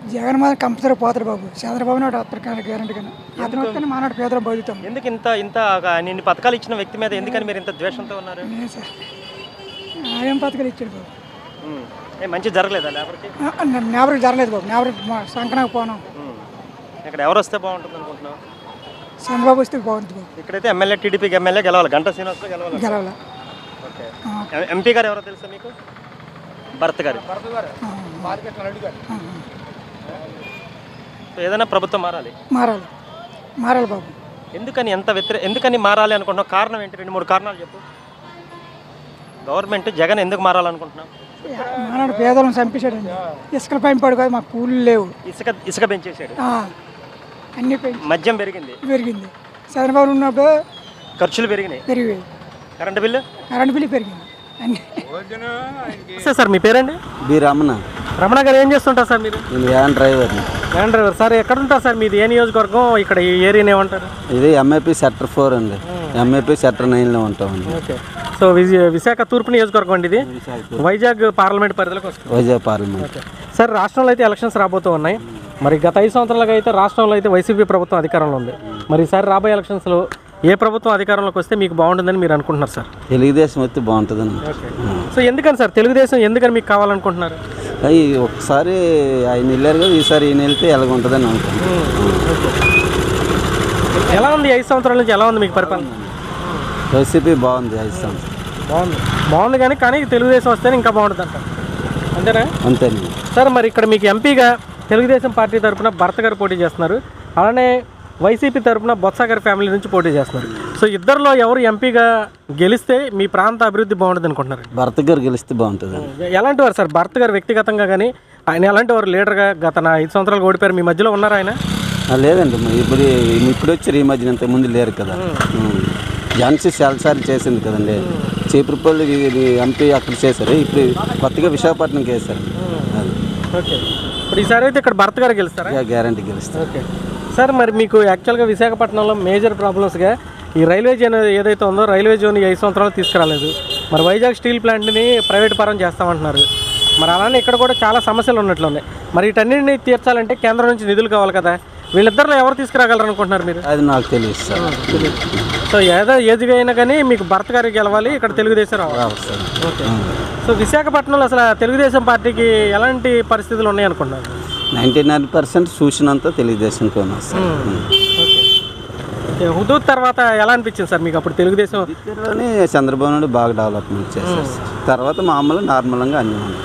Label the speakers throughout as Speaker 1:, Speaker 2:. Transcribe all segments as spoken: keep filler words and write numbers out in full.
Speaker 1: జగన్ మాత్రం కంపల్సరీ పోతాడు బాబు. చంద్రబాబు నాయుడు వస్తారు కానీ గ్యారంటీ కానీ అతను వస్తేనే మానాడు పేదలు బతుకుతాం.
Speaker 2: ఎందుకు ఇంత ఇంత నిన్ను పథకాలు ఇచ్చిన వ్యక్తి మీద ఎందుకని మీరు ఇంత ద్వేషంతో ఉన్నారు?
Speaker 1: లేదు సార్, ఏం పథకాలు ఇచ్చాడు బాబు.
Speaker 2: ఏ మంచి జరగలేదా లేబర్కి?
Speaker 1: నేవరికి జరగలేదు బాబు. నేవరికి సంకనాకు పోనాం.
Speaker 2: ఇక్కడ ఎవరు వస్తే బాగుంటుంది అనుకుంటున్నావు?
Speaker 1: చంద్రబాబు వస్తే బాగుంటుంది బాబు.
Speaker 2: ఇక్కడైతే ఎమ్మెల్యే టీడీపీకి ఎమ్మెల్యే గెలవాలి, గంటా శ్రీనివాస్ గెలవాలి.
Speaker 1: గెలవాలి.
Speaker 2: ఓకే. ఎంపీ గారు ఎవరో తెలుసా మీకు? భరత్ గారు. ఏదైనా ప్రభుత్వం మారాలి
Speaker 1: మారాలి మారాలి బాబు.
Speaker 2: ఎందుకని ఎంత వ్యతిరే ఎందుకని మారాలి అనుకుంటున్నావు? కారణం ఏంటి? రెండు మూడు కారణాలు చెప్పు. గవర్నమెంట్ జగన్ ఎందుకు మారాలనుకుంటున్నావు?
Speaker 1: మానాడు పేదలను చంపేశాడండి. ఇసుకల పైన పడు కదా, మాకు కూలీలు లేవు.
Speaker 2: ఇసుక ఇసుక పెంచేసాడు,
Speaker 1: అన్ని పెంచి
Speaker 2: మద్యం పెరిగింది
Speaker 1: పెరిగింది. చంద్రబాబు ఉన్నప్పుడు
Speaker 2: ఖర్చులు పెరిగినాయి,
Speaker 1: పెరిగాయి.
Speaker 2: కరెంటు బిల్లు
Speaker 1: కరెంటు బిల్లు పెరిగింది అన్ని.
Speaker 2: సార్ మీ పేరండి?
Speaker 3: బి రమణ.
Speaker 2: రమణ గారు ఏం చేస్తుంటారు సార్ మీరు?
Speaker 3: నేను van driver.
Speaker 2: Van driver. Sir ఎక్కడ ఉంటారు సార్? మీది ఏ నియోజకవర్గం? ఇక్కడ ఈ ఏరియాని ఏమంటారు?
Speaker 3: ఇది ఎంఏపీ సెక్టర్ ఫోర్ అండి. ఎంఏపీ సెక్టర్ నైన్లో ఉంటామండి.
Speaker 2: ఓకే. సో విశాఖ తూర్పు నియోజకవర్గం అండి ఇది. వైజాగ్ పార్లమెంట్ పరిధిలోకి వస్తుంది.
Speaker 3: వైజాగ్ పార్లమెంట్.
Speaker 2: సార్ రాష్ట్రంలో అయితే ఎలక్షన్స్ రాబోతూ ఉన్నాయి. మరి గత ఐదు సంవత్సరాలుగా అయితే రాష్ట్రంలో అయితే వైసీపీ ప్రభుత్వం అధికారంలో ఉంది. మరి ఈసారి రాబోయే ఎలక్షన్స్లో ఏ ప్రభుత్వం అధికారంలోకి వస్తే మీకు బాగుంటుందని మీరు అనుకుంటున్నారు సార్?
Speaker 3: తెలుగుదేశం వస్తే బాగుంటుందని.
Speaker 2: సో ఎందుకని సార్ తెలుగుదేశం ఎందుకని మీకు కావాలనుకుంటున్నారు?
Speaker 3: అవి ఒకసారి ఆయన వెళ్ళారు కదా, ఈసారి ఈయన వెళ్తే ఎలాగ ఉంటుందని అనుకుంటున్నాను.
Speaker 2: ఎలా ఉంది ఐదు సంవత్సరాల నుంచి? ఎలా ఉంది మీకు పరిపాలన?
Speaker 3: వైసీపీ బాగుంది ఐదు సంవత్సరాలు.
Speaker 2: బాగుంది బాగుంది కానీ కానీ తెలుగుదేశం వస్తేనే ఇంకా బాగుంటుంది అంట, అంతేనా?
Speaker 3: అంతేనండి
Speaker 2: సార్. మరి ఇక్కడ మీకు ఎంపీగా తెలుగుదేశం పార్టీ తరఫున భరత్ గారు పోటీ చేస్తున్నారు, అలానే వైసీపీ తరఫున బొత్స గారి ఫ్యామిలీ నుంచి పోటీ చేస్తున్నారు. సో ఇద్దరిలో ఎవరు ఎంపీగా గెలిస్తే మీ ప్రాంత అభివృద్ధి బాగుంటుంది అనుకుంటున్నారు?
Speaker 3: భరత్ గారు గెలిస్తే బాగుంటుంది.
Speaker 2: ఎలాంటి వారు సార్ భరత్ గారు వ్యక్తిగతంగా కానీ ఆయన ఎలాంటి వారు? లీడర్గా గత నా ఐదు సంవత్సరాలు ఓడిపోయారు, మీ మధ్యలో ఉన్నారు ఆయన?
Speaker 3: లేదండి, ఇప్పుడు ఇప్పుడు వచ్చారు, ఈ మధ్యన ఇంతకు ముందు లేరు కదా. ఝాన్సీ చాలాసార్లు చేసింది కదండి. చీపురుపల్లి ఎంపీ అక్కడ చేశారు, ఇప్పుడు కొత్తగా విశాఖపట్నంకి వేశారు.
Speaker 2: ఓకే. ఇప్పుడు ఈసారి అయితే ఇక్కడ భరత్ గారు గెలుస్తారా?
Speaker 3: గ్యారంటీ గెలుస్తారు.
Speaker 2: Okay sir. మరి మీకు యాక్చువల్గా విశాఖపట్నంలో మేజర్ ప్రాబ్లమ్స్గా ఈ రైల్వే జోన్ ఏదైతే ఉందో రైల్వే జోన్ ఐదు సంవత్సరాలు తీసుకురాలేదు. మరి వైజాగ్ స్టీల్ ప్లాంట్ని ప్రైవేట్ పరం చేస్తామంటున్నారు. మరి అలానే ఇక్కడ కూడా చాలా సమస్యలు ఉన్నట్లు ఉన్నాయి. మరి వీటన్నింటినీ తీర్చాలంటే కేంద్రం నుంచి నిధులు కావాలి కదా. వీళ్ళిద్దరిలో ఎవరు తీసుకురాగలరు అనుకుంటున్నారు మీరు?
Speaker 3: అది నాకు తెలియదు సార్.
Speaker 2: సో ఏదో ఏదిగా అయినా కానీ మీకు భరత్ గారికి గెలవాలి, ఇక్కడ తెలుగుదేశం రావాలి. ఓకే. సో విశాఖపట్నంలో అసలు తెలుగుదేశం పార్టీకి ఎలాంటి పరిస్థితులు ఉన్నాయి అనుకుంటున్నారు?
Speaker 3: నైంటీ నైన్ పర్సెంట్ చూసినంత తెలుగుదేశంకి ఉన్నా సార్.
Speaker 2: హుదూద్ తర్వాత ఎలా అనిపించింది సార్ మీకు? అప్పుడు తెలుగుదేశం
Speaker 3: చంద్రబాబు నాయుడు బాగా డెవలప్మెంట్ చేశారు. తర్వాత మామూలు నార్మల్గా అన్నీ ఉన్నాయి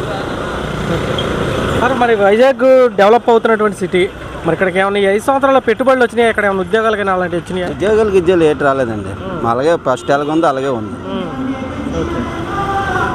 Speaker 2: సార్. మరి వైజాగ్ డెవలప్ అవుతున్నటువంటి సిటీ, మరి ఇక్కడికి ఏమైనా ఐదు సంవత్సరాల పెట్టుబడులు వచ్చినాయి? ఇక్కడ ఏమైనా ఉద్యోగాలు కానీ అలాంటివి వచ్చినాయి?
Speaker 3: ఉద్యోగాలు గిద్యోగాలు ఏటి రాలేదండి. అలాగే ఫస్ట్ ఎలాగ ఉందో అలాగే ఉంది.
Speaker 2: ఓకే.